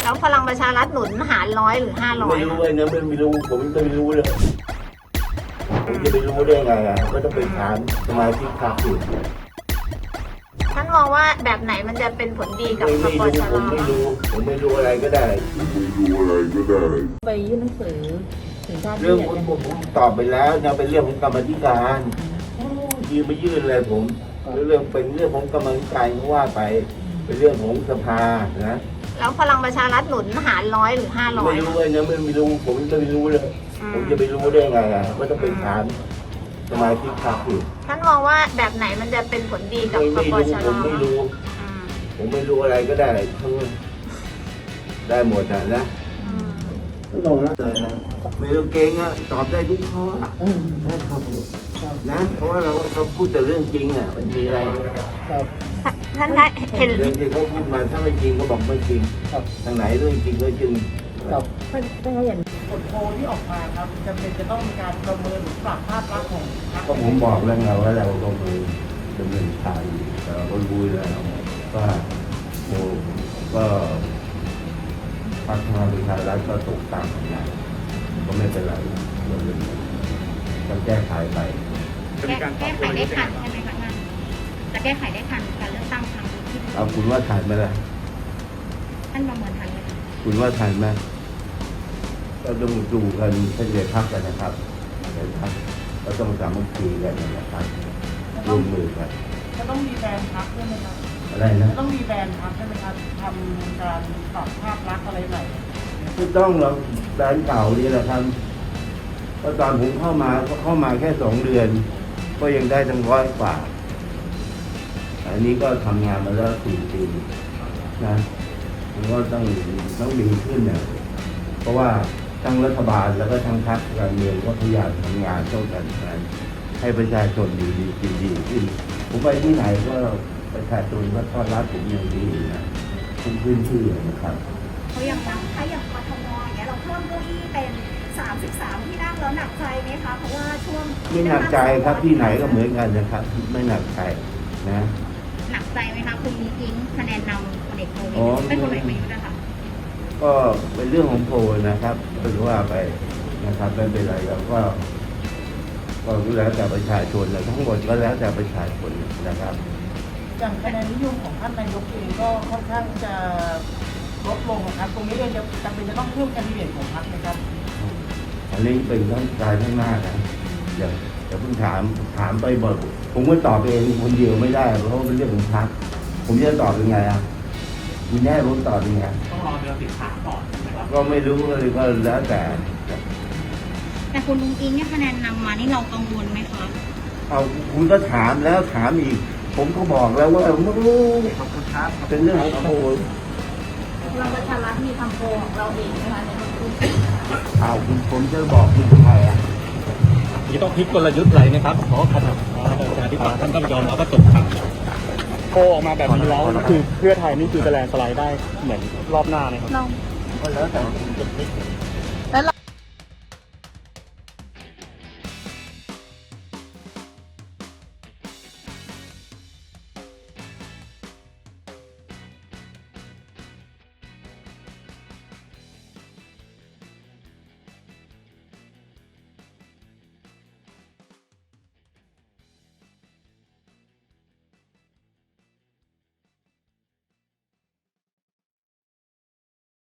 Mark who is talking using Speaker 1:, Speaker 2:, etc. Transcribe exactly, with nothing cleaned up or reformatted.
Speaker 1: แล้วพลังประชารัฐหนุนหารร้อยหรือห้าร้อย
Speaker 2: ไม่รู้เลยนะไม่ไม่รู้ผมไม่รู้เลยผมจะไปรู้ได้ไงอ่ะก็ต้องไปถามสมาชิกพรรคอยู่
Speaker 1: ท่านมองว่าแบบไหนมันจะเป็นผลดีกับ
Speaker 2: ไม่
Speaker 1: ป
Speaker 2: ไม่
Speaker 1: ป
Speaker 2: รู้
Speaker 1: ช
Speaker 2: ผมไม่รู้ผมไม่รู้อะไรก็ได้ไม่รู้อะไรก็ได้
Speaker 3: ไปยื่นหนังสือถึงท่าน
Speaker 2: เรื่องผมผมผมตอบไปแล้วนะเป็นเรื่องของกรรมธิการยืนไปยื่นอะไรผมเรื่องเป็นเรื่องของกรรมธิการก็ว่าไปเป็นเรื่องของสภานะ
Speaker 1: แล้วพลังประชารัฐหนุนหารร้อยหรือห้าร้อย
Speaker 2: ไม่รู้เลยนะไม่ไม่รู้ผมไม่รู้เลยผมจะไปรู้ได้ไงอ่ะก็ต้องไปถามสมาชิกพรรคอยู่
Speaker 1: ท่านมองว่าแบบไหนมันจะเป็นผลดีกับ
Speaker 2: ไม่
Speaker 1: ป
Speaker 2: ไม่
Speaker 1: ป
Speaker 2: รู้
Speaker 1: ช
Speaker 2: ผมไม่รู้
Speaker 1: อืม
Speaker 2: ผมไม่รู้อะไรก็ได้ทั้งได้หมดนะนะ
Speaker 1: อืม
Speaker 2: ไม่ต้องนะไม่ต้องเก่งอ่ะตอบได้ทุกข้ออะนะเพราะว่าเราเราพูดแต่เรื่องจริงอ่ะมันมีอะไร
Speaker 1: ท่านคะเห็น
Speaker 2: เรื่องที่เขาพูดมาถ้าไม่จริงก็บอกไม่จริงทางไหนเรื่องจริงก็จริง
Speaker 3: กับท่านท่านเห็น
Speaker 4: ผลโพลที่ออกมาครับจำเป็นจะต้องมีการประเมินหรือปรับภาพลักษณ์ของพรรค
Speaker 2: ก็ผมบอกแล้วไงว่าเราลงมือดำเนินการอยู่แต่เราก็รู้แล้วว่าโอ้ก็พรรคพลังประชารัฐก็ตกต่ำนะก็ไม่เป็นไรเราเรื่องนี้ต้องแก้ไขไป
Speaker 5: แก้แก้ไขได้ทันใช่ไหมคะท่าน จะแก้ไขได้ทันการเลือกตั้งครั้งนี้ที่
Speaker 2: เอาคุณว่าทันไหมล่ะ
Speaker 5: ท่านประเมินทันไหมคะ
Speaker 2: คุณว่าทันไหมก็ต้องดูกันเฉลี่ยพักกันนะครับเฉลี่ยพักก็ต้องสามัคคีกันนะครับร่วมมือกัน
Speaker 4: จะต้องมีแบรนด์พรรคด้วยไหมครับ
Speaker 2: อะไรนะ
Speaker 4: จะต้องมีแบรนด์พรรคใช่ไหมครับทำการปรับภาพลักษณ์อะไรใหม่
Speaker 2: ไม่ต้องเราแบรนด์เก่านี่แหละครับก็ตอนผมเข้ามาก็เข้ามาแค่สองเดือน ก็ยังได้ทั้งร้อยกว่า อันนี้ก็ทำงานมาแล้วสี่ปีนะมันก็ต้องต้องดีขึ้นเนี่ยเพราะว่าทั้งรัฐบาลแล้วก็ทั้งพรรคการเมืองก็พยายามทำงานต้องกันกันให้ประชาชนดีดีดีดีขึ้นผมไปที่ไหนก็ประชาชนก็ต้อนรับผมอย่างดีนะทุกพื้นที่นะครับ
Speaker 5: เขายัง
Speaker 6: ตั้งใช้อย่างกทมอย่างเงี้ยเราเพิ่มเก้าอี้เป็นสามสิบสามที่นั่งแล้วหนักใจไหมคะเพราะว่าช่วง
Speaker 2: ไม่หนักใจครับที่ไหนก็เหมือนกันนะครับ ไม่หนักใจนะ
Speaker 5: หนักใจไหมคะคุณอิงคะแนนนำพลเอกประวิต
Speaker 2: อ๋อ
Speaker 5: รเป็นพลเอกประยุทธ์นะคะ
Speaker 2: ก็เป็นเรื่องของโพลนะครับเป็นว่าไปนะครับไม่เป็นไรแล้วก็ก็แล้วแต่ประชาชนนะทั้งหมดก็แล้วแต่ประชาชนนะครับ
Speaker 4: อย่างคะแนนนิยมของท่านนายกเองก็ค่อนข้างจะลดลงนะครับ ตรงนี้เองจะจำเป็นจะต้องเพิ่มแคนดิเดตของพรรคไหมครับ
Speaker 2: อันนี้เป็นทั้งการข้างหน้านะอย่าอย่าเพิ่งถามถามไปบอกผมก็ตอบเองคนเดียวไม่ได้เพราะว่าเป็นเรื่องของพรรคผมจะตอบยังไงอ่ะคุณแน่ผมตอบยังไง
Speaker 4: ต้องรอเดือนสิบสามก่อนนะครับ
Speaker 2: ก็ไม่รู้เลยก็แล้วแต่
Speaker 5: แต่คุณลุงอิงเนี่ยคะแนนนำมานี่เรากังวลไหมคะ
Speaker 2: เอาคุณก็ถามแล้วถามอีก ผมก็บอกแล้วว่าไม่รู้เป็นเรื่องของโพล
Speaker 1: พลังประชารัฐมีทำโพลของเราเองนะคะในทุก
Speaker 2: เอาคุณผมจะบอกคุณใครอ่ะ
Speaker 7: นี่ต้องพลิกกลยุทธ์อะไรไหมครับ เพราะขนาดประชาธิปัตย์ท่านก็ยอมรับว่าตกต่ำโพออกมาแบบนี้แล้วคือเพื่อไทยนี่คือจะแลนด์สไลด์ได้เหมือนรอบหน้าไหมครับ
Speaker 2: ก็แล้วแต่คุณจะคิด